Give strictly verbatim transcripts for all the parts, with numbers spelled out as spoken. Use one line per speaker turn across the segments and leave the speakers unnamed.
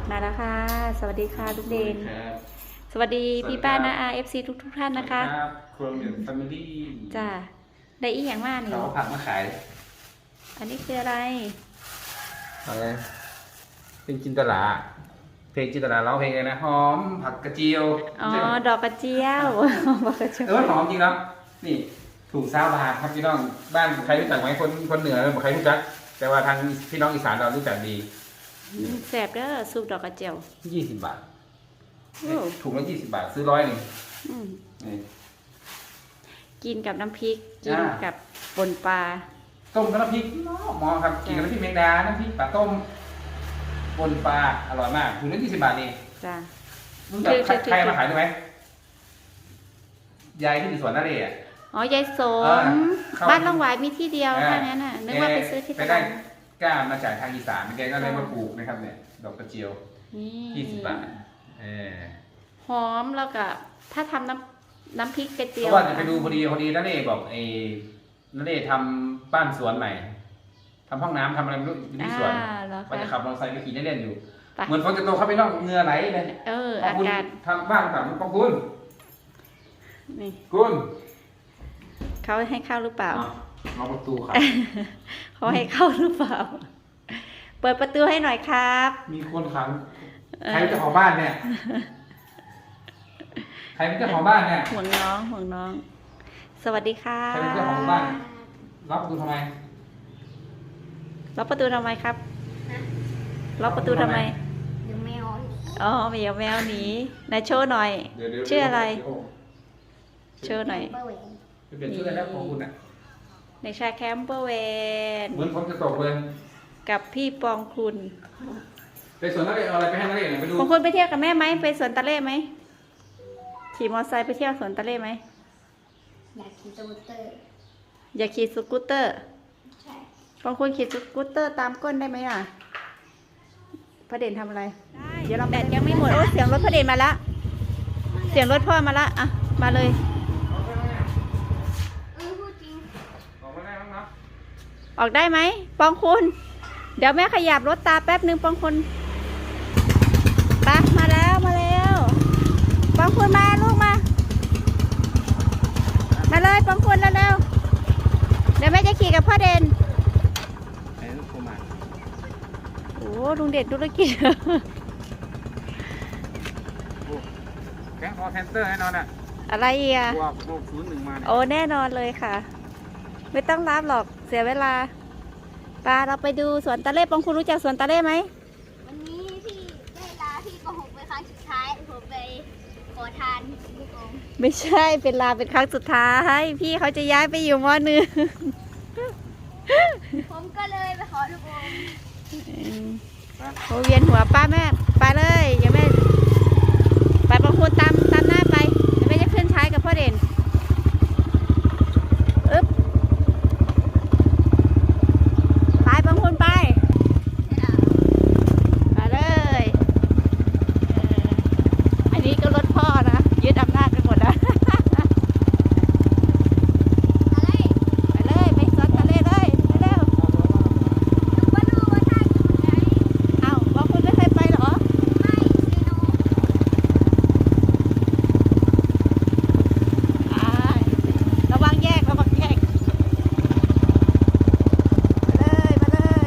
มาแล้วค่ะสวัสดีค่ะทุกเดน
ครับ
สวัสดีพี่ป้า
สวัสดี
นา
ครับ
อาเอฟซีทุกทุกท่านนะคะ
ครับครัวเหมือนแฟมิลี่
จ้าได้อีกอย่างมากนี่
เขาเอาผักมาขาย
อันนี้คืออะไร
อะไรเป็นจินตลาเพลงจินตลาร้องเพลงเลยนะหอมผักกระเจียว
อ๋อดอกกระเจียวดอกกระเจียว
เออหอมจริงแล้วนี่ถูกซาบาทครับพี่น้องบ้านใครรู้จักไหมคนคนเหนือบอกใครรู้จัก แต่ว่าทางพี่น้องอีสานเรารู้จักดี
แสบเด้อซุปดอกกระเจียว
ยี่สิบบาท
โอ้
ถุงละยี่สิบบาทซื้อร้อยหนึ่ง
อืม
นี่
กินกับน้ำพริกกิน
จ้า
กับปนปลา
ต้มกับน้ำพริกหมอครับกินกับน้ำพริกแมงดาน้ำพริกปลาต้มปนปลาอร่อยมากถุงละยี่สิบบาทเอง
จ้า
รู้จักใครใครมาขายได้ไหมยายที่อยู่สวนนาเรศอ่ะ
อ๋อยายส
เอ
ม
อเข้า
บ้านล่องหวายมีที่เดียว
อ่า
แค่นั้นน่ะนึกว่าไปซื้อที่
ไป
ต
ได้
ลาด
กล้ามาจากทางอีสานแกก็เลยมาปลูกนะครับเนี่ยดอกกระเจียว
นี่
ยี่สิบบาทเออ
หอมแล้วก็ถ้าทำน้ำน้ำพริกกระ
เพ
เจียว
ราะว่าจะไปดูพอดีพอดีนาเรศบอกไอ้นาเรศทำบ้านสวนใหม่ทำห้องน้ำทำอะไรไม่รู้อยู่ที่สวน
อ่าเหรอ
ว่าจะ
คะ
ขับมอเตอร์ไซค์ไปขี่เล่นๆอยู่
ไป
เหมือนฝนจะตกเข้าไปนอกเหงื่อไหลเลย
เออ
ขอบ
อา
คุณ
กาศ
ทำบ้านถามขอบคุณ
นี่
คุณ
เขาให้เข้าหรือเปล่า
อ่ะล็อกประตูครับ
เขาให้เข้าหรือเปล่า เปิดประตูให้หน่อยครับ
มีคนขังใครเป็นเจ้าของบ้านเนี่ย ใครเป็นเจ้าของบ้านเนี่ย
ห่วงน้องห่วงน้อง สวัสดีค่ะ
ใครเป็นเจ้าของบ้านล็อกประตูทำไม
ล็อกประตูทำไมครับล็อกประตูทำไม
เดี๋ยวแมว
อ๋อแมวแมวหนีนายโชว์หน่อย
เดี๋ยวเดี๋ยว
ชื่ออะไร
เดี๋ยว
โชว์หน่อย
เบอร์เวน
เปลี่ยนชื่อแล้วของคุณอ่ะ
ในชายแคมเปอร์เวน
เหมือนฝนจะตกเลย
กับพี่ปองคุณ
ไปสวนนักเรียนเอาอะไรไปให้นักเรียนหน่อยไปดู
ปองคุณไปเที่ยวกับแม่ไหมไปสวนตะเล่ไหมขี่มอเตอร์ไซค์ไปเที่ยวสวนตะเล่ไหม
อยากขี่สกูตเตอร์
อย่าขี่สกูตเตอร์
ใช่
บางคนขี่สกูตเตอร์ตามก้นได้ไหมอ่ะพระเด่นทำอะไร เดี๋ยวเราแบตยังไม่หมด โอ้เสียงรถพระเด่นมาละ เสียงรถพ่อมาละอ่ะ มาเลย
เออพูดจริง
ออกมาได้บ้างเนาะ
ออกได้ไหม ปองคุณ เดี๋ยวแม่ขยับรถตาแป๊บนึงปองคุณไปมาแล้วมาแล้วปองคุณมาลูกมา มาเลยปองคุณเร็วๆเดี๋ยวแม่จะขี่กับพ่อเด่น
ไอ้ลูกโทรมา
โอ้ลุงเด่นธุรกิจ
แก๊งคอร์เซนเตอร์แน่นอนอ่ะ
อะไรอีกอ่ะ
บวกบวกศูนย์หนึ่งมาเนี่ย
โอ้แน่นอนเลยค่ะ ไม่ต้องรับหรอกเสียเวลาปาเราไปดูสวนตะเล่ปองคุณรู้จักสวนตะเล่ไหม
วันนี้พี่ได้ลาพี่โกหกไปครั้งสุดท้ายผมไปขอทานลูกอม
ไม่ใช่เป็นลาเป็นครั้งสุดท้าย พี่เขาจะย้ายไปอยู่มอหนึ่ง
ผมก็เลยไปขอลูกอม
โอ้เวียนหัวป้าแม่ไปเลยอย่าแม่ไปปองคุณตามตามหน้าไปอย่าแม่จะขึ้นท้ายกับพ่อเด่นอึ๊บไปปองคุณไป มาเลยเอออันนี้ก็รถพ่อนะยึดอำนาจไปหมดแล้ว
อะไร
ไปเลยไปสวนทะเลเลยเร็ว
ลูกมาดูว่าท่านอยู่ไหน
ๆเอ้าบอกคุณไม่เคยไปเหรอ
ไม่ซีโน
อ่าระวังแยกระวังแยกมาเลยมาเลย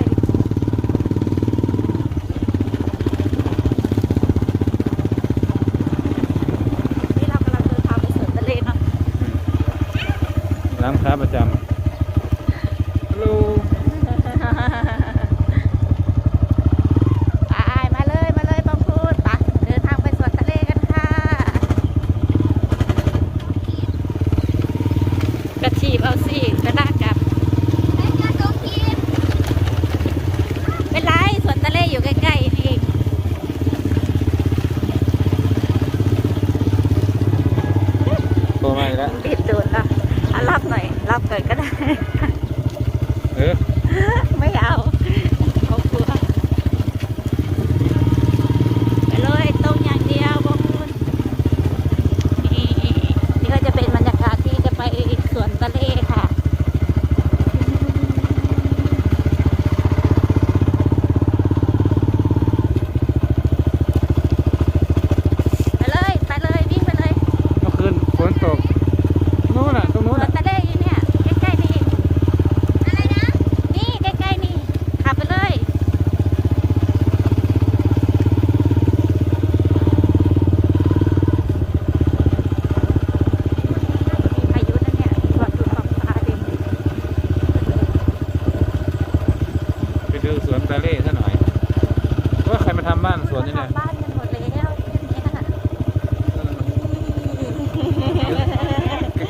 นี่เรากำลังเดินทางไปสวนทะเลเนาะ
ร้านค้าประจำฮัลโหล
ไปมาเลยมาเลยบางพูดไปเดินทางไปสวนทะเลกันค่ะกระชีบเอาสิกระดากกลับ
ไอ้เจ้าสมทีม
เป็นไรสวนทะเลอยู่ใกล้ๆนี่เอง
โทรมาอีกแล้ว
รีบโดนละอ่ะรับหน่อยรับเกิดกระ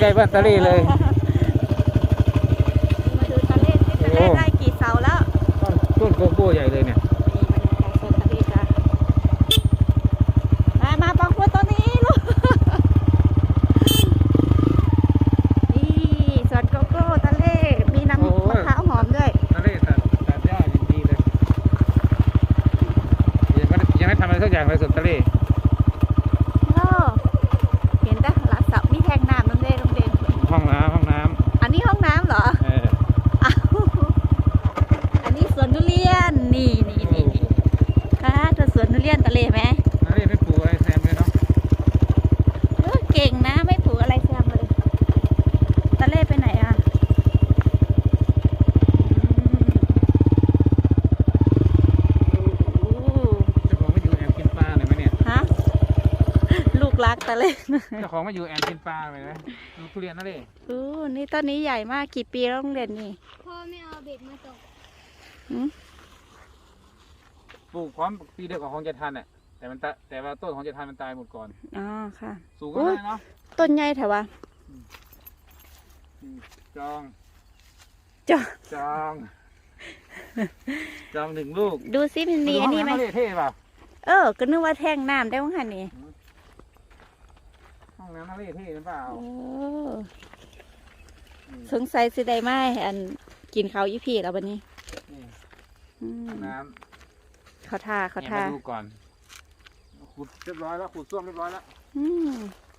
ล้ๆบ้านตะเล่เลย
มาดูตะเล่ที่ตะเล่ได้กี่เสาแล้ว
ต้นโกโก้ใหญ่เลยเนี่ย
นี่บรรยากาศสวนตะเล่จ้ะมามาปองคุณตัวนี้ลูกนี่สวนโกโก้ตะเล่มีน้ำมะพร้าวหอมด้วย
ตะเล่ตัดตัดหญ้าอย่างดีเลยยังไม่ยังไม่ทำอะไรสักอย่างเลยสวนตะเล่
โอ้เห็นได้หลังเสามีแทงน้ำน้ำเล่โรงเรียน
ห้องน้ำห้องน้
อันนี้ห้องน้ำเหรอ
ำเออ
อ้าวอันนี้สวนทุเรียน นี่นี่นี่นี่ค่ะเธอสวนทุเรียนตะเลไหม
ตะเล่ไม่ปลูกอะไรแซมเลยเนาะ
เออเก่งนะ ไม่ปลูกอะไรแซมเลย ตะเลไปไหนอ่ะอืม
เจ้าของมาอยู่แอบกินปลาเลยไหมเนี่ย
ฮะ ลูกรักตะเล
เจ้าของมาอยู่แอบกินปลาเลยไหมดูทุเรียนนะเล่
อู้นี่ต้นนี้ใหญ่มาก กี่ปีแล้วโรงเรียนนี่
พ่อไม่เอาเบ็ดมาตก
หืม
ปลูกพร้อมปีเดียวกับของเจทันอ่ะแต่มันตะแต่ว่าต้นของเจทันมันตายหมดก่อน
อ๋อ ค่ะ
สูงก็ได้เนาะ
ต้นใหญ่แถววะ
อืมจอง
จ้ะ
จอง จองหนึ่งลูก
ดูซิมันมีอันนี้ไหม
ห้องำทะเลเท่เปล่า
เออ ก็นึกว่าแท่งน้ำได้มั้งคะนี่
ห้องน้ำทะเลเท่หรือเปล่า
โอ้ สงสัยสิได้ไหมอันกินเขาวยี่พี่แล้ววันนี้
นี่
อืม
ห้องน้
เขาทา
ำ
เขา
เนี่ย
ทา
มาดูก่อนขุดเรียบร้อยแล้วขุดส้วมเรียบร้อยแล้ว
อืม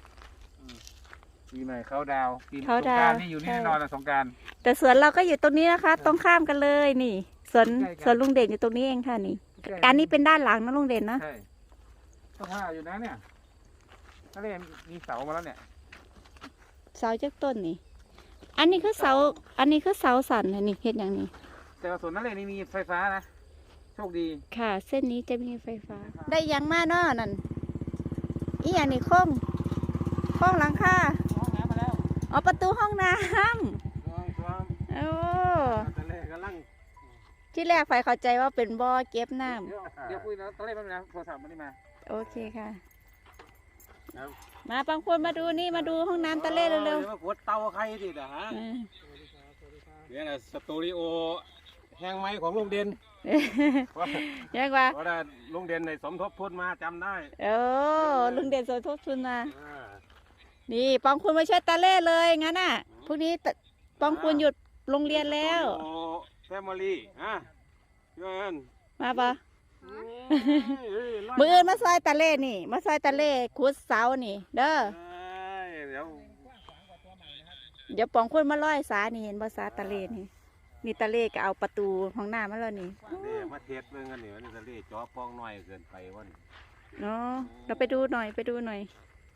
ปีใหม่เขาดาวปี
เขา
สง
ดาว
กรารนี่อยู่นี่
ใช่
แน่นอนละสงกราร
แต่สวนเราก็อยู่ตรงนี้นะคะ ตรงข้ามกันเลยนี่สวน
ใกล้กัน
สวนลุงเด่นอยู่ตรงนี้เองค่ะนี่อันนี้เป็นด้านหลังนะลุงเด่นนะ
ใช่ก็ท่าอยู่นะเนี่ยทะเลมีเสามาแล้วเนี่ย
เสาจากต้นนี่ อันนี้คือเสา อันนี้คือเสาสันนะนี่เห็นอย่างนี้
แต่ว่าสวนทะเลนี่มีไฟฟ้านะโชคดี
ค่ะ เส้นนี้จะมีไฟฟ้า ได้ยังมาเนาะนั่นอีอย่างนี้โค้งโค้งหลังคา
ห้องน้ำมาแล้ว
อ๋อประตูห้องน้
ลองลอง
ำโอ้
ทะเลกำลัง
ที่แรกไฟเข้าใจว่าเป็นบ่อเก็บน้ำ
เดี๋ยวเดี๋ยวคุยนะทะเลแป๊บนึงนะโทรศัพท์มันนี่มา
โอเคค่ะ
ครับ
มาบางคนมาดูนี่มาดูห้องน้ำตะเล่เร็ว
ดี๋ยวมากดเตาใครสินะฮะ
ๆอ่า
เนี่ยนะสตูดิโอแห้งไม้ของลุงเด่น
ยังว่า
เพราะว่าลุงเด่นในสมทบทุนมาจำได้
โอ้ลุงเด่นสมทบทุนมา
อ่า
นี่ปองคุณมาช่วยตาเล่เลยงั้นน่ะพรุ่งนี้ตปองคุณหยุดโรงเรียนแล้ว
แฟมิลี่ฮะเงิน
มาปะมืออื่นมาซอยตาเล่นี่ มาซอยตาเล่ขุดเสานี่ เด้อ
เดี๋ยว
เดี๋ยวปองคุณมาร้อยสานี่เห็นบ่สาตาเล่นี่นี่ตาเล่ก็เอาประตูห้องน้ำมาแล้วนี่
เดี๋ยวมาเทสเรื่องกันนี่วันนี้ทะเลจ่อปองหน่อยเกินไปวัน
เนาะเราไปดูหน่อยไปดูหน่อย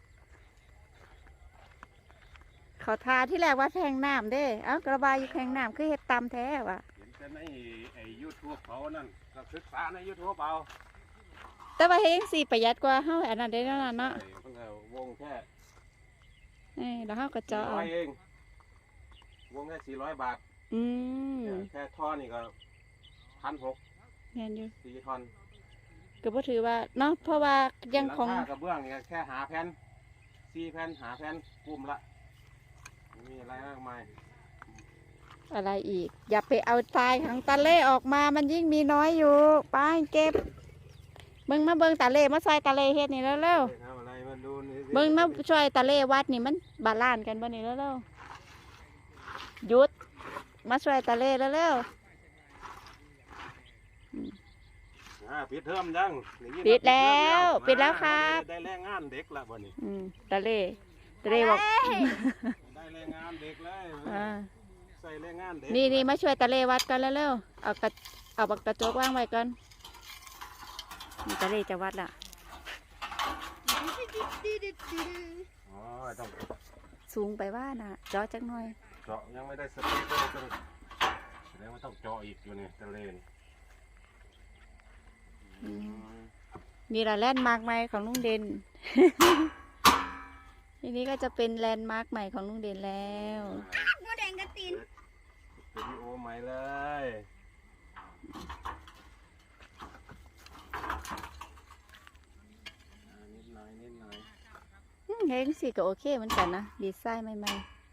เขาทาที่แรกว่าแทงน้ำเด้ เอ้ากระบายอยู่แทงน้ำคือเห็ดตามแท้ว่ะ
เห็นแต่ในไอ้ยูทูบเขานั่นก็ศึกษาในยูทูบเอา
แต่ว่าเฮงสีประหยัดกว่าเฮาอันนั้นได้แล้วนะเนาะ
ไอ้เพิ่งเอาวงแค่
เอ้ยแล้วเฮาก็เจาะ
ร้
เอา
อยเองวงแค่สี่ร้อยบาท
อืม
แค่ท่อนี่ก็พันหก
แม่นอยู่
สี่ทอน
ก็บ่ถือว่าเนาะเพราะว่ายังของ
หลัคากระเบื้องนี่ก็แค่หาแผ่นสี่แผ่นหาแผ่นปุ่มละไม่มีอะไรมากมาย
อะไรอีก อย่าไปเอาทรายของตาเล่ออกมามันยิ่งมีน้อยอยู่ไปเก็บเบิ่งมาเบิ่งตาเล่มาซอยตาเล่เฮ็ดนี่แล้วเร็ว
ทำอะไรมาดูนี่
ๆเบิ่งมาช่วยตาเล่วัดนี่มันบาลานซ์กันบ่นี่แล้วเร็วๆหยุดมาช่วยตาเล่แล้วเร็ว
อ่าปิดเทอมยังนี่
ปิดแล้ว
มา
ปิดแล้วครับ
ได้แรงงานเด็กละบ่นี้
อืมตาเล่ตาเล่บอก
ได้แรงงานเด็กเลย
อ่า
ใส่แรงงานเด็ก
นี่นี่มาช่วยตาเล่วัดกันแล้วเร็วๆเอากระเอาบักกระจกวางไว้ก่อนนี่ตาเล่จะวัดละ
อ๋อต้อง
สูงไปว่าน่ะเจาะจักหน่อย
เจาะยังไม่ได้สเปคเลยต้องแสดงว่าต้องเจาะอีกอยู่นี่ทะเลน
อืมนี่ละแลนด์มาร์กใหม่ของลุงเด่น ทีนี้ก็จะเป็นแลนด์มาร์กใหม่ของลุงเด่นแล้ว
โมแดงกระติน
สตูดิโอใหม่เลยอ่านิดหน่อยนิดหน่อย
อืมเฮ้ยสิก็โอเคเหมือนกันนะดีไซน์ใหม่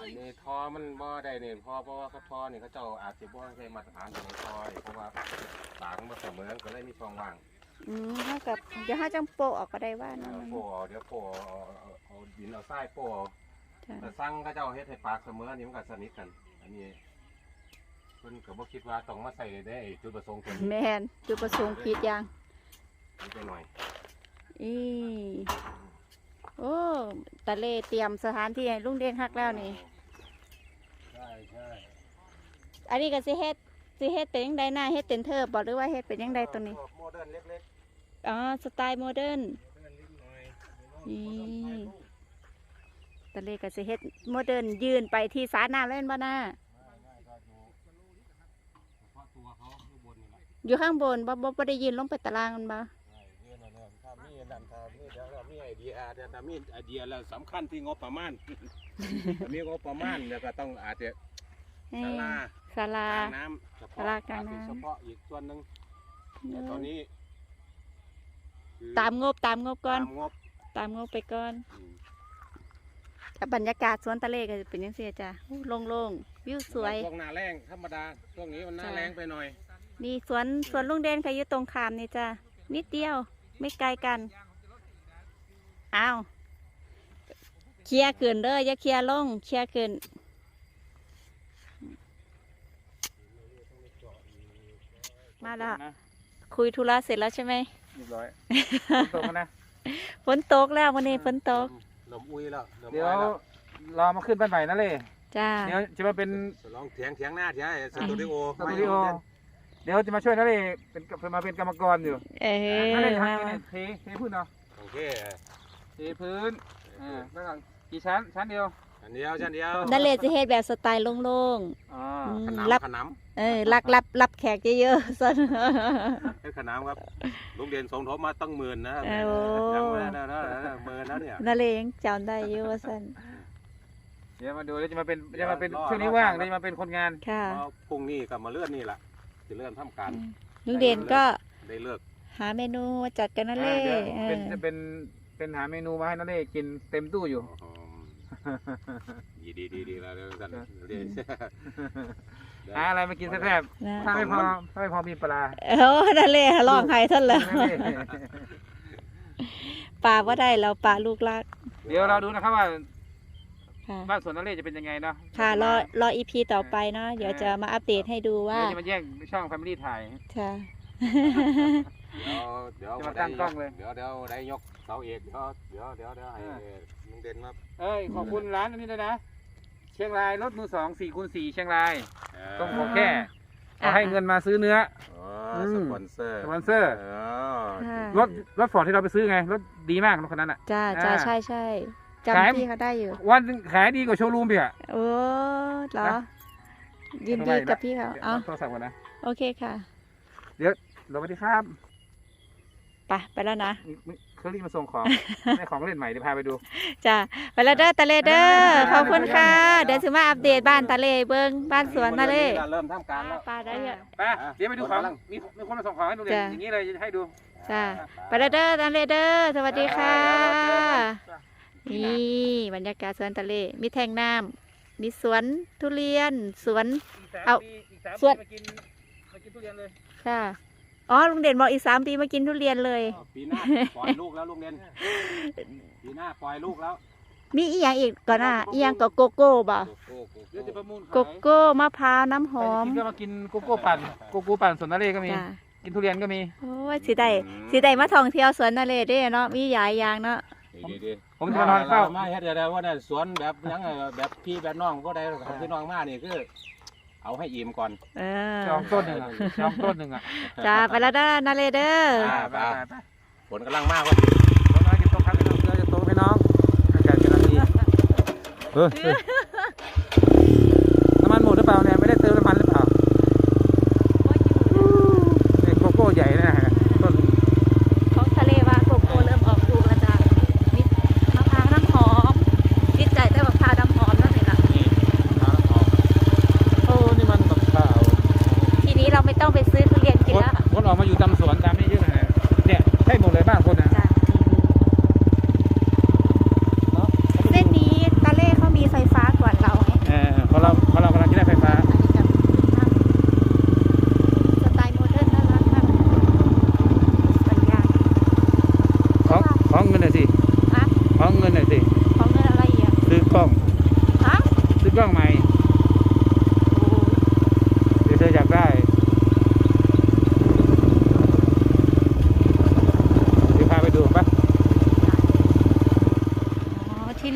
อันนี้ทอมันบ่ได้เนี่ยพอเพราะว่าเขาทอนี่เขาเจ้าอาจจะบ่ใช้มาตรฐานของทอเพราะว่าปากมันบ่เสมอก็เลยมีช่องว่าง
อืมเท่ากับเดี๋ยวห้าจังโปะออกก็ได้ว่า
เอ
นะ
อโป้เดี๋ยวโป้เอาเอาเอาดินเอาทรายโป้
จ้ะ
แต่สั่งเขาเจ้าเฮ็ดให้ปากเสมอนี่มันก็สนิทกัน อันนี้เพิ่นก็บ่คิดว่าต้องมาใส่ได้จุดประสงค์ตัวนี้
แมนจุดประสงค์ผิดยัง
นิดหน่อย
อีโอ้ตะเลเตรียมสถานที่ให้ลุงเด่นฮักแล้วนี่
ใช่ใช่
อันนี้ก็สิเฮ็ดสิเฮ็ดเป็นยังไงหน้าเฮ็ดเป็นเทิบบ่หรือว่าเฮ็ดเป็นยังไงตัวนี้
โมเดิร์นเล็ก
อ๋อสไตล์โมเดิร์น
ๆโมเดิร์นนิดหน่อย
นี่ ตะเลก็สิเฮ็ดโมเดิร์นยืนไปที่สาน้ำเล่นบ่หน้า
ง่ายๆก็อยู่เฉพาะตัวเขาอยู่บนนี่แหละ
อยู่ข้างบนบ่บ่บ่ได้ยืนลงไปตารางมันบ่
ง่ายยืนเอาเนี่ยถ้ามีนั่นถ้ามีเดี๋ยวเรามีไอเดียเดี๋ยวถ้ามีไอเดียแล้วสำคัญที่งบประมาณ ถ้ามีงบประมาณเดี๋ยวก็ต้องอาจจะ
เอ้
ศาย ลา
ศาลา
กลางน้ำเฉพาะ
ศาลากลางน้ำ
อจจะเฉพาะอีกส่วนหนึ่งแต่ตอนนี้คือ
ตามงบตามงบก่อน
ตามงบ
ตามงบไปก่อน
อืม
แต่บรรยากาศสวนตะเลก็จะเป็นจังซี่จ้ะอู้โล่งๆวิวสวย
ช่วงหน้าแรงธรรมดาช่วงนี้มันหน้า
จ้ะ
แรงไปหน่อย
นี่สวนสวนลุงเด่นค่ะอยู่ตรงข้ามนี่จ้ะนิดเดียวไม่ไกลกันอ้าวเคลียร์ขึ้นเด้ออย่าเคลียร์ลงเคลียร์ขึ้นมาแล้วคุยธุระเสร็จแล้วใช่ไหม
เรียบร้อยตรงนะ
ฝนตกแล้ววันนี้ฝนตก
ลมอุ้ยแล้วลม
เดี๋ยว
อ้อยแล้ว
รอมาขึ้นบ้านใหม่นะเลย
จ้า
เดี๋ยวจะมาเป็น
ลองเถียงเถียงหน้าเถียงไอ้สตูดิโอ
สตูดิโอเดี๋ยวจะมาช่วยนะเลยเป็นมาเป็นกรรมกรอยู่
เอ้
นั่นเลย
ย
ทำ
มา
ยังไงเทเทพื้นเนาะ
โอเค
เทพื้นอ่าแล้วก็กี่ชั้นชั้นเดียว
อันเดียวชั้นเดียว
นั่นเลยจะเฮ็ดแบบสไตล์โล่ง
อ๋อ
ๆอืม
ข
รับ
นำขน
เออรับรับรับแขกเยอะๆซะ
ำให้ขนำครับลุงเด่นสมทบมาตั้งหมื่นนะ
โอ้
ยังไม่ได้นะหมื่นแล้วเนี่ย
นั่นเลยยังจำได้อยู่ว่าซั่น
เดี๋ยวมาดูเดี๋ยวจะมาเป็นจะมาเป็นช่วงนี้ว่างเดี๋ยวจะมาเป็นคนงาน
ค่ะ
เพราะพรุ่งนี้ก็มาเลื่อนนี่แหละจะเลื่อนทำการ
ลุงเด่นก็
ได้เลิก
หาเมนูมาจัดกันนั่นเล
อ่าย เดี๋ยว
เอ
เป็น
อ
จะเป็นเป็นหาเมนูมาให้นั่นเลยกินเต็มตู้อยู่
ดีดีดีดีแล้วเดี๋ยวกันเดี๋ยว
หาอะไรมากินแซ่บ
นะ
ๆถ้าไม่พอถ้าไม่พอมีปลา
โอ้นั่นเลยร้องไห้ท่านแล้ว
นั่นเลย
ป่าว่าได้แล้วป่าลูกรัก
เดี๋ยวเราดูนะครับว่า
ค่ะ
บ้านสวนนั่นเลยจะเป็นยังไงเนาะ
ค่ะรอรออีพีต่อไปเนาะเดี๋ยวจะมาอัปเดตให้ดูว่า
เดี๋ยวจะมาแยกช่องแฟมิลี่ถ่าย
ค่ะ
เดี๋ยวเดี๋ยว
จะมาตั้งกล้องเลย
เดี๋ยวเดี๋ยวได้ยกเสาเอกเดี๋ยวเดี๋ยวเดี๋ยวเดี๋ยวให้ลุงเด่นมา
เอ้ยขอบคุณร้านอันนี้ด้วยนะ เชียงรายรถมือสองสี่คูณสี่เชียงรายต้องขอแค่เอาให้เงินมาซื้อเนื้อ
อ๋อสปอนเซอร์
สปอนเซอร์
อ๋อ
ค่ะ
รถรถฟอร์ดที่เราไปซื้อไงรถดีมากรถคันนั้นอ่ะ
จ้าจ้า
อ่า
ใช่ใช่
ขาย
จำพี่เขาได้อยู่
วันหนึ่งขายดีกว่าโชว์รูมเพี่อะ
โอ้เหรอ
นะ
ยินดีกับพี่เขา
ดี๋ยว
อ๋อ
โทรศัพท์ก่อนนะ
โอเคค่ะ
สวัสดีครับ
ไปไปแล้วนะ
มีมีเขารีบมาส่งของ ได้ของเล่นใหม่เดี๋ยวพาไปดู
จ้าไปแล้วเด้อตะเลเด้อ
ได้ๆๆ
ขอบคุณค่ะ เดี๋ยวสิมาอัปเดตบ้านตะเลเบิ้งบ้านสวนตะเล
เริ่มทำการแล้ว
ปลาได้เยอะ
ไปเดี๋ยวไปดูของมีมีคนมาส่งของให้ดูเลย
จ้ะ
อย่างนี้เลยให้ดู
จ้าไปแล้วเด้อตะเลเด้อสวัสดีค่ะ นี่บรรยากาศสวนตะเล มีแทงน้ำมีสวนทุเรียน สวน
อีกสาม
เอา
ปีอีกสาม
ส่
ปี
วน
มากินมากินทุเรียนเลย
ค่ะ อ๋อ ลุงเด่นบอกอีกสามปีมากินทุเรียนเลย
ปีหน้าปล่อยลูกแล้วลุงเด่นปีหน้าปล่อยลูกแล้ว
มีอีกอย่างอีกก่อนอ่ะอีกอย่างก็โกโก้บ่
โอ้โห
เดี๋ยวจะประมูลขาย
โกโก้มะพร้าวน้ำหอม
ใครจะกินก็มากินโกโก้ปั่นโกโก้ปั่นสวนนเรศก็มี
จ้า
กินทุเรียนก็มี
โอ้ยสิได้สิได้มาท่องเที่ยวสวนทะเลเด้เนาะ มีหลายอย่างเนาะ
ดีดี
ผมจะมานอนเฝ้า
มาเฮ็ดเดี๋ยวว่าเนี่ยสวนแบบยังไงแบบพี่แบบน้องก็ได้ของพี่น้องมานี่คือเอาให้อิ่มก่อน
เออ
จองต้นหนึ่งอ่ะจองต้นหนึ่งอ่ะ
จ้าไปแล้วเด้อนาเลเด้อ
ไปไปไป
ฝนกำลังมากว่า
ต้นน้อยจะโตครับพี่น้องเรือจะโตพี่น้องอากาศกำลังดีเฮ้ยเฮ้ยน้ำมันหมดหรือเปล่าเนี่ยไม่ได้เติมน้ำมันหรือเปล่านี่โกโก้ใหญ่นะฮะต้น
ของทะเลว่าโกโก้เริ่มออกลูกแล้วจ้ามีมะพร้าวน้ำหอมติดใจแต่มะพร้าวน้ำหอมนั่นเองล่ะ
โอ้นี่มันแบบข้าว
ทีนี้เราไม่ต้องไปซื้อทุเรียนกิน
คน
แล้ว
คนออกมาอยู่ตามสวนตามนี้เยอะเลยเนี่ยใช่หมดเลยบ้านคนนะ
จ้าเส้นนี้ตะเล่เขามีไฟฟ้าก่อนเราไง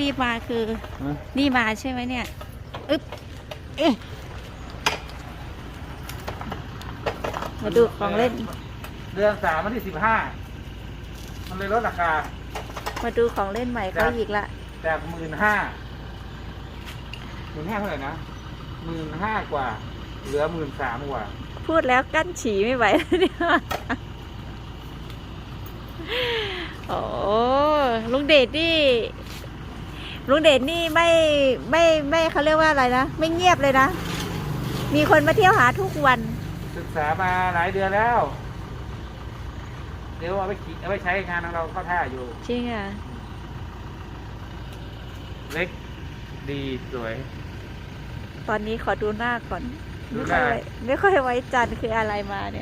บมาคือ
ฮะ
นี่มาใช่ไหมเนี่ยอึ๊บเอ๊ะมาดูของเล่น
เดือนสามวันที่สิบห้ามันเลยลดราคา
มาดูของเล่นใหม่เขาอีกละ
จากหมื่นห้าหมื่นห้าเท่าไหร่นะหมื่นห้ากว่า เหลือหมื่นสามกว่า
พูดแล้วกั้นฉี่ไม่ไหวแล้วเนี่ยโอ้ลุงเดชนี่ลุงเดชนี่ไม่ไม่ไม่เขาเรียกว่าอะไรนะไม่เงียบเลยนะ มีคนมาเที่ยวหาทุกวัน
ศึกษามาหลายเดือนแล้ว เดี๋ยวเอาไปขี่เอาไปใช้งานของเราเข้าท่าอยู่
จริงอ่ะ
เล็กดีสวย
ตอนนี้ขอดูหน้าก่อน
ดู
ไม่
ห
ค่อ
น้า
ยไว้ไม่ค่อยไว้จันทร์คืออะไรมาเนี่ย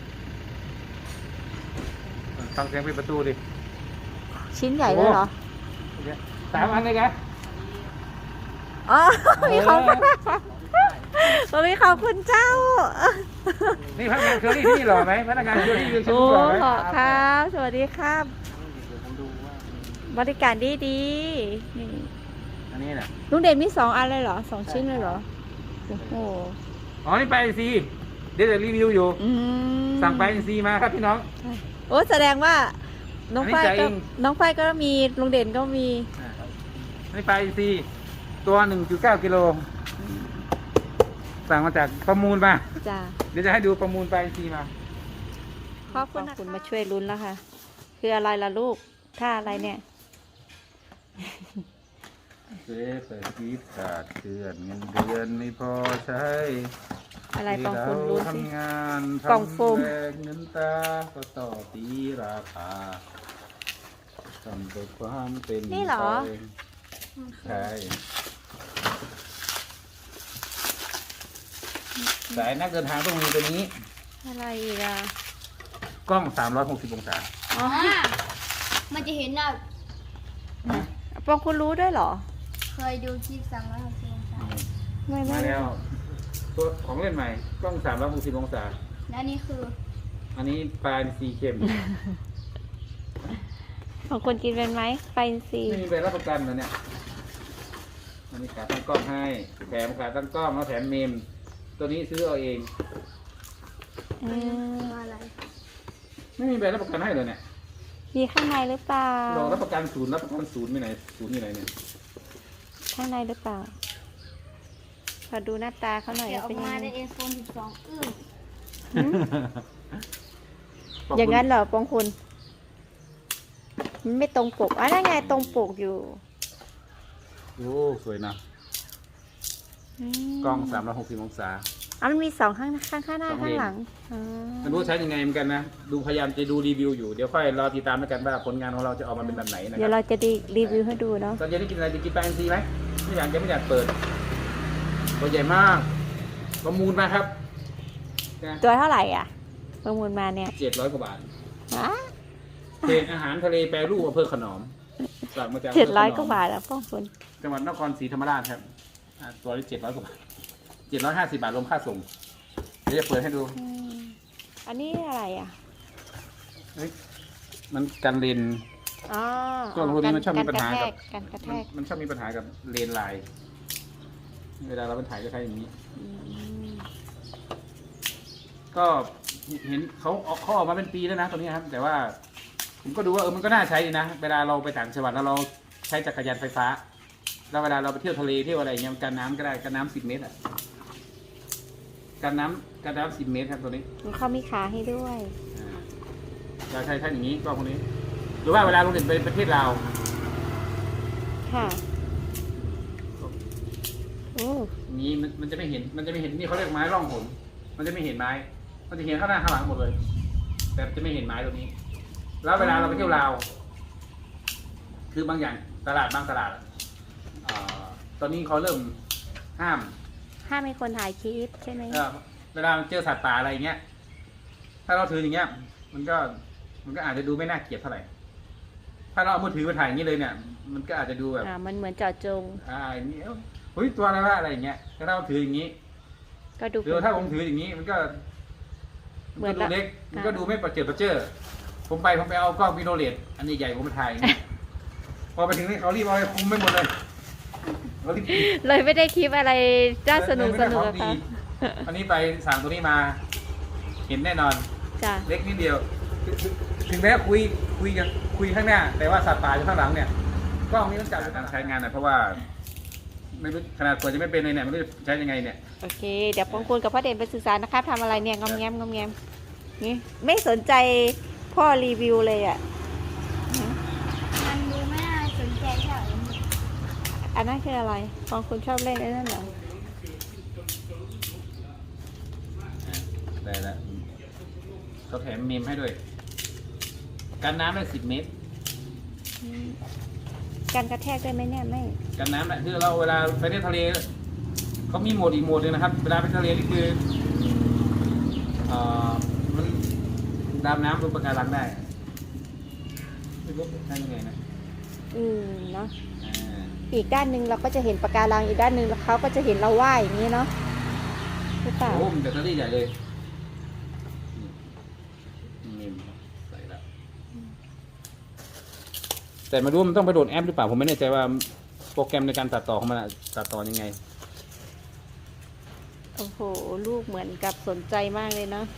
ฟังเสียงปิดประตูดิ
ชิ้นใหญ่เลยเหรอ
สามอันเลยกัน
อ๋อ มีของผมมีของคุณเจ้า
นี่พนักงานเคอรี่ที่นี่หล่อไหมพนักงานเคอรี่ยืนชิ้น
โอ้
หล่อไหม
ขอครับ สวัสดีครับ บริการดีดีๆนี่
อันนี้น่ะ
ลุงเด่นมีสองอันเลยเหรอสองชิ้นเลยเหรอ โอ้โห
อ๋อนี่ไปซีเดี๋ยวจะรีวิวอยู่
อืม
สั่งไปซีมาครับพี่น้อง
โอ้แสดงว่า น้องฝ้าย
อันนี้จ่าย
ก็
เอง
น้องฝ้ายก็มีลุงเด่นก็มี
อันนี้ไปซีตัวหนึ่งจุดเก้ากิโลสั่งมาจากประมูลมา
จ้า
เดี๋ยวจะให้ดูประมูลไปซีมา
ขอบคุณคุณมาช่วยลุ้นแล้วค่ะ คืออะไรล่ะลูกท่าอะไรเนี่ย
เจ๊เปิดกีดขาดเดือนเงินเดือนไม่พอใช้
อะไรปองคุณรู้สิ
ทำงาน
กล่องโฟม
ทำแรงเงินตาก็ต่อตีราคาทำด้วยความเป็น
นี่เหรอ
ไปใช่สายนักเดินทางต้องมีตัวนี้
อะไรอีกอ่ะ
กล้องสามร้อยหกสิบองศา
อ๋อ
อ่ามันจะเห็นน่ะ
ปองคุณรู้ด้วยเหรอ
เคยดูคลิปสามร้อยหกสิบองศา
ไม่ไม่
มาแล้ว ตัวของเล่นใหม่ กล้องสามร้อยหกสิบองศา
และนี่คือ
อันนี้ปลาสีเข้ม
ของคุณกินเป็นไหมไฟซี
ไม่มีใบรับประกันนะเนี่ย อันนี้ขาตั้งกล้องให้ แถมขาตั้งกล้องแล้วแถมเมม ตัวนี้ซื้อเอาเอง
อืม
อะไร
ไม่มีใบรับประกันให้เลยเนี่ย
มีข้างในหรือเปล่า
เรารับประกันศูนย์รับประกันศูนย์ไม่ไหนศูนย์ที่ไหนเนี่ย
ข้างในหรือเปล่า ขอดูหน้าตาเขาหน่อย
เดี๋ยวออ
เป็น
ก
ยัง
มา
ไง
ในไอโฟนสิบสองอึ้ง
หืมอย่างนั้นเหรอปองคุณมันไม่ตรงปกอ่ะนั่นไงตรงปกอยู่
โอ้สวยนะ
อืม
กล้องสามร้อยหกสิบองศา
อ่ะมันมีสองข้างข้างข้างหน้า
สอง
ข้าง
เลน
หลังอ๋อ
ไม่รู้ใช้ยังไงเหมือนกันนะ ดูพยายามจะดูรีวิวอยู่ เดี๋ยวค่อยรอติดตามแล้วกันว่าผลงานของเราจะออกมาเป็นแบบไหนนะค
เดี๋ยว
รับ
เราจะดีรีวิวให้ดูเนาะ
ตอนเย็นได้กินอะไรจะกินปลาอินทรีไหมไม่อยากจะไม่อยากเปิด ตัวใหญ่มากประมูลมาครับ
ตัวเท่าไหร่อ่ะ ประมูลมาเนี่ย
เจ็ดร้อยกว่าบาท
ฮะ
เพจอาหารทะเลแปรรูปอำเภอขนอมสั่งมาจาก
เจ็ดร้อย
ำภ
กว่า
ขนม
บาทแล้วป้องคุณ
จังหวัดนครศรีธรรมราชครับอ่าตัวนี้เจ็ดร้อยกว่าบาทเจ็ดร้อยห้าสิบบาทรวมค่าส่ง เดี๋ยวจะเปิดให้ดู
อืมอันนี้อะไรอ่ะ
เฮ้ยมันกันเลน
อ๋อก
ล้องพวกนี้มันชอบมีปัญหากับ
การกระแท
มัน
ก
มันชอบมีปัญหากับเลนส์ลาย เวลาเราไปถ่ายก็ใช้อย่างนี้
อืม
ก็เห็นเขาออกเขาออกมาเป็นปีแล้วนะตัวนี้ครับ แต่ว่าผมก็ดูว่าเออมันก็น่าใช้ดีนะ เวลาเราไปต่างจังหวัดแล้วเราใช้จักรยานไฟฟ้า แล้วเวลาเราไปเที่ยวทะเลเที่ยวอะไรเงี้ยมันกันน้ำก็ได้กันน้ำสิบเมตรอ่ะกันน้ำกันน้ำสิบเมตรครับตัวนี้
เขามีขาให้ด้วย
อ่าเราใช้ใช้อย่างนี้ก็พวกนี้ หรือว่าเวลาเราเดินไปประเทศลาว
ค่ะโอ้
อย่างนี้มันมันจะไม่เห็นมันจะไม่เห็นนี่เขาเรียกไม้ร่องหนมันจะไม่เห็นไม้ มันจะเห็นข้างหน้าข้างหลังหมดเลย แต่จะไม่เห็นไม้ตัวนี้ แล้วเวลาเราไปเที่ยวลาว คือบางอย่างตลาดบางตลาดอะอ่าตอนนี้เขาเริ่มห้าม
ห้ามมีคนถ่ายคลิปใช่ไหม
เออเวลาเจอสัตว์ป่าอะไรอย่างเงี้ย ถ้าเราถืออย่างเงี้ย มันก็มันก็อาจจะดูไม่น่าเกลียดเท่าไหร่ ถ้าเราเอามือถือมาถ่ายอย่างนี้เลยเนี่ย มันก็อาจจะดูแบบ
อ่ามันเหมือนเจาะจง
อ่าอย่างนี้เอ้าเฮ้ยตัวอะไรวะอะไรอย่างเงี้ยแต่ถ้าเราถืออย่างนี้
ก็ดู
หรือถ้าผมถืออย่างนี้ มันก็มันก็ดูเล็ก มันก็ดูไม่ประเจิดประเจิอผมไปผมไปเอากล้องวิโดเลตอันใหญ่ๆผมไปถ่ายอย่างนี้พอไปถึงนี่เขารีบเอาไปคุมไม่หมดเลยเขารีบ
เลยไม่ได้คลิปอะไรจ้าสนุก
ไม่
ส
ได้
นุก
ของ
อะ
ดี
ค่ะ
อันนี้ไปสั่งตัวนี้มา เห็นแน่นอน
จ้ะ
เล็กนิดเดียวถึงถึงแม้คุยคุยกันคุยข้างหน้า แต่ว่าสัตว์ป่าอยู่ข้างหลังเนี่ยกล้องนี้ต้องจับการใช้งานหน่อยเพราะว่าไม่รู้ขนาดกว่าจะไม่เป็นเลยเนี่ยไม่รู้จะใช้ยังไงเนี่ย
โอเค เดี๋ยวปองคุณกับพ่อเด่นไปศึกษานะครับทำอะไรเนี่ยงอมแงมงอมแงมนี่ไม่สนใจพ่อรีวิวเลยอ่ะ
มันดูไม่น่าสนใจเท่าไหร่
อันนั้นคืออะไรปองคุณชอบเล่นไอ้นั่นเหรอ
ได้แล้วเขาแถมเมมให้ด้วยกันน้ำได้สิบเมตร
อืมการกระแทกได้ไหมเนี่ยไม่
กันน้ำแหละคือเราเวลาไปเที่ยวทะเลเขามีโหมดอีกโหมดหนึงนะครับ เวลาไปทะเลนี่คือเอ่อมันดำน้ำบนปะการังได้ไม่รู้ใช่ยังไงนะ
อืมเนาะ
อ่า
อีกด้านหนึ่งเราก็จะเห็นปะการังอีกด้านหนึ่งเขาก็จะเห็นเราว่ายอย่างนี้เนาะหรือเปล่า
โอ้มันแบตเตอรี่ใหญ่เลยนี่ใส่แล้วแต่ไม่รู้ว่ามันต้องไปโหลดแอปหรือเปล่าผมไม่แน่ใจว่าโปรแกรมในการตัดต่อของมันอะตัดต่อยังไง
โอ้โหลูกเหมือนกับสนใจมากเลยเนาะ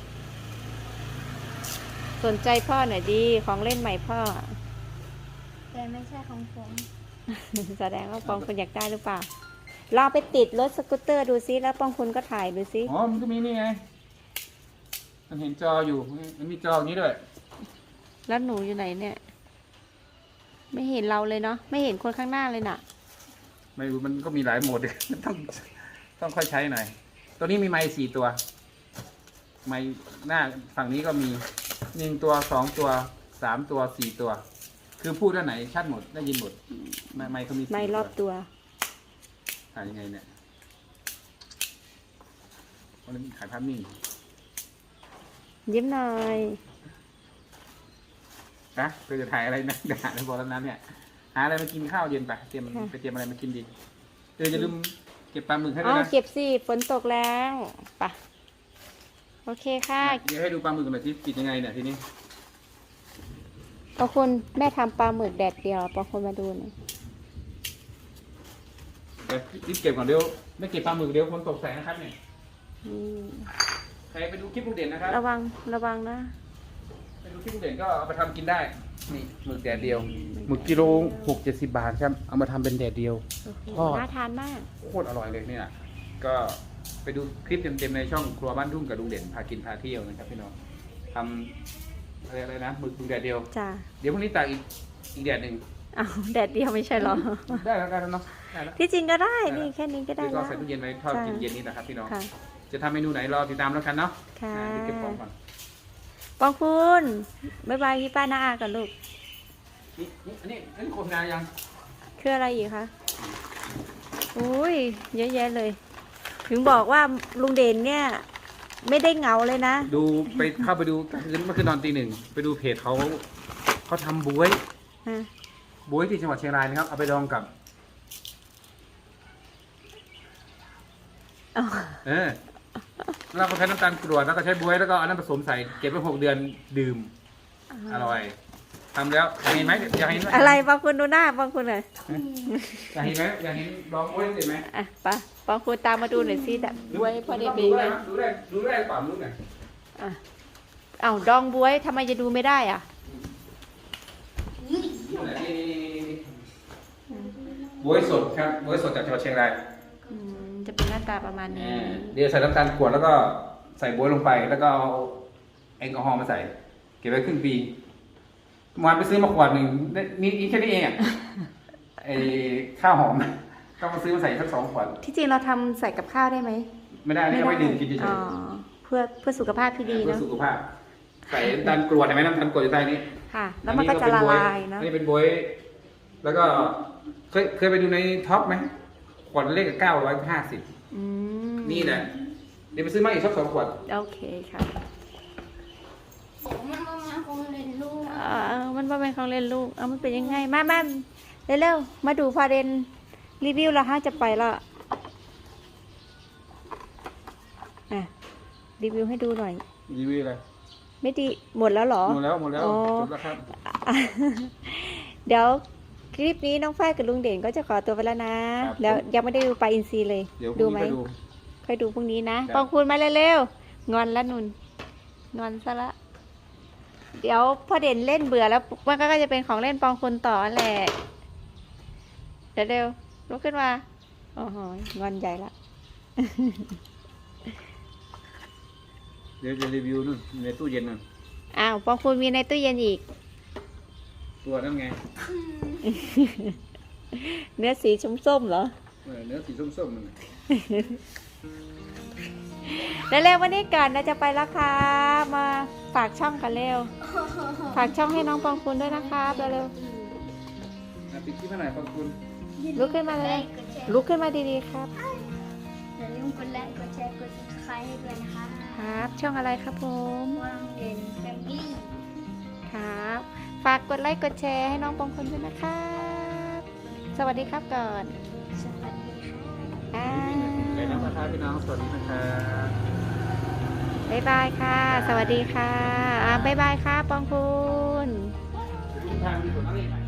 สนใจพ่อหน่อยดีของเล่นใหม่พ่อ
แต่ไม่ใช่ของผม
แสดงว่าปองคุณอยากได้หรือเปล่าลองไปติดรถสกูตเตอร์ดูซิแล้วปองคุณก็ถ่ายดูซิ
อ๋อ มันก็มีนี่ไง มันเห็นจออยู่ มันมีจออย่างนี้ด้วย
แล้วหนูอยู่ไหนเนี่ย ไม่เห็นเราเลยเนาะไม่เห็นคนข้างหน้าเลยน่ะ
ไม่รู้มันก็มีหลายโหมด ต้องต้องค่อยใช้หน่อย ตัวนี้มีไมค์สี่ตัว ไมค์หน้าฝั่งนี้ก็มีหนึ่งตัวสองตัวสามตัวสี่ตัว คือพูดด้านไหนชัดหมดได้ยินหมด ไมค์ไมค์เขามีสี่
ไม่รอบตัว
ถ่ายยังไงเนี่ยวันนี้ถ่ายภาพนิ่ง
ยิ้มหน่อย
นะเธอจะถ่ายอะไรนะด่าในบอลนั้นเนี่ย หาอะไรมากินข้าวเย็นไปเตรียม
ค่ะ
ไปเตรียมอะไรมากินดีเออจะลืมเก็บปลาหมึกให้ด้
อ๋
ว
อย
นะ
เก็บสิฝนตกแล้วไปะโอเคค่ะ
เดี๋ยวให้ดูปลาหมึกหน่อยที่ปิดยังไงเนี่ยทีนี้
ปองคุณแม่ทำปลาหมึกแดดเดียวปองคุณมาดูหน่อย
เดี๋ยวรีบเก็บก่อนเดี๋ยวไม่เก็บปลาหมึกเดี๋ยวคนตกใส่นะครับเนี่ย
อืม
ใครไปดูคลิปลูกเด่นนะครับ
ระวังระวังนะ
ไปดูคลิปลูกเด่นก็เอาไปทำกินได้นี่หมึกแดดเดียวหมึกกิโลหกเจ็ดสิบบาทครับเอามาทำเป็นแดดเดียว
โอ้โห
ทอด
น่าทานมาก
โคตรอร่อยเลยเนี่ยก็ไปดูคลิปเต็มๆในช่องครัวบ้านทุ่งกับลุงเด่นพากินพาเที่ยวนะครับพี่น้องทำอะไรอะไรนะหมึกหมึกแดดเดียว
จ้า
เดี๋ยวพรุ่งนี้ตากอีกอีกแดดหนึ่ง
อ้าวแดดเดียวไม่ใช่เหรอ
ได้แล้วกันเนาะได้แล้ว
ที่จริงก็ได้
ได้
นี่แค่นี้ก็ได้
เดี๋ยวก็
แล้ว
ใส่ตู้เย็นไว้ทอด
จ้ะ
กินเย็นนี้นะครับพี่น้อง
ค่ะ
จะทำเมนูไหนรอติดตามแล้วกันเนาะ
ค่ะ
อ่าเดี๋ยวเก็บของก่อน
ปองคุณบ๊ายบายพี่ป้าน้าอากันลูก
นี่นี่อันนี้อันนี้โฆษณายัง
คืออะไรอีกคะอุ้ยเยอะแยะเลย ถึงบอกว่าลุงเด่นเนี่ย ไม่ได้เหงาเลยนะ
ดูไปเข้าไปดูคืนเมื่อคืนนอนตีหนึ่งไปดูเพจเขาเขาทำบวย
ฮะ
บวยที่จังหวัดเชียงรายนะครับเอาไปดองกับ
อ๋อ
เออเราก็ใช้น้ำตาลกรวดแล้วก็ใช้บวยแล้วก็เอาน้ำผสมใส่เก็บไว้หกเดือนดื่มอร่อยทำแล้วอยากเห็นไหมอยากเห็นไหม
อะไรปองคุณดูหน้าปองคุณหน่อย
อยากเห็นไหมอยากเห็นลองบวยเห็นไหม
อ่ะไปะปองคุณตามมาดูหน่อยสิแต่บวยพอได้เป็น
ดู
ไง
ได้ดูได้ดูได้เปล่าลูกเนี่ย
อ่ะเอ้าดองบวยทำไมจะดูไม่ได้อ่ะ
นี่แหละนี่บวยสดครับบวยสดจากจังหวัดเชียงราย
อืมจะเป็นหน้าตาประมาณนี้
เดี๋ยวใส่น้ำตาลกรวดแล้วก็ใส่บวยลงไป แล้วก็เอาแอลกอฮอล์มาใส่ เก็บไว้ครึ่งปีเมื่อวานไปซื้อมาขวดหนึ่งได้มีอีกแค่นี้เองอ่ะ ไอข้าวหอมก็มาซื้อมาใส่สักสองขวด
ที่จริงเราทำใส่กับข้าวได้ไหม
ไม่ได้นี่เอาไว้ดื่มกินเฉย
อ๋อเพื่อเพื่อสุขภาพที่
ๆ
ดี
เพื่อ
เนาะ
สุขภาพ ใส่น้ำตาลกรวดเห็นไหมน้ำตาลกรวดอยู่ใต้นี้
ค่ะ แล้วมันก็จะละลายเนาะ
อันนี้เป็นบวย แล้วก็เคยเคยไปดูในท็อปไหมขวดเลขเก้าร้อยห้าสิบ
อืม
นี่แหละเดี๋ยวไปซื้อมาอีกสักสองขวด
โอเคค่ะ
ผมมันประมาณคงเรียนรู้
เออมันว่าเป็นของเล่นลูก เอามันเป็นยังไง มามาเร็วๆ มาดูพาเรนรีวิวและฮะจะไปและอ่ะ รีวิวให้ดูหน่อย
รีวิวอะไร
ไม่ดี หมดแล้วเหรอ
หมดแล้วหมดแล้ว
อ๋อ
จบแล้วครับ
เดี๋ยวคลิปนี้น้องฝ้ายกับลุงเด่นก็จะขอตัวไปแล้วนะ แล้วยังไม่ได้ดูปลาอินทรีเลย
เดี๋ยวพ
ดู
รุ่ง
ไหม
นี้ไปดู
ค่อยดูพรุ่งนี้นะ
ครับ
ปองคุณมาเร็วๆงอนละนุนงอนซะละ เดี๋ยวพอเด่นเล่นเบื่อแล้วมันก็จะเป็นของเล่นปองคุณต่อแหละเดี๋ยวเร็วลุกขึ้นมาโอ้โหงอนใหญ่ละ
เดี๋ยวจะรีวิวนู่นในตู้เย็นนู่น
อ้าวปองคุณมีในตู้เย็นอีก
ตัวนั่นไง
เนื้อสีส้มๆเหรอ
เออเนื้อสีส้มๆมันน่ะ
แล้วเร็ววันนี้ก่อนเราจะไปแล้วครับมาฝากช่องกันเร็ว ฝากช่องให้น้องปองคุณด้วยนะครับเร็ว
อ่ะปิดคลิปให้หน่อยขอบคุณ
ๆลุกขึ้นมาเลย
กดแชร์
ลุกขึ้นมาดีๆครับ
อย่าลืมกดไลค์กดแชร์กด subscribe ให้ด้วยนะคะ
ครับ ช่องอะไรครับผม
วางเด่นแฟมิลี่
ครับ ฝากกดไลค์กดแชร์ให้น้องปองคุณด้วยนะครับ สวัสดีครับก่อน
สวัสดีค่ะ
อ่า
ไปน้ำประทานพี่น้องสวัสดีนะครับ
บ๊ายบายค่ะ สวัสดีค่ะอ่าบ๊ายบายค่ะปองคุณ
ทุกทางมีส่วนอะไรไหม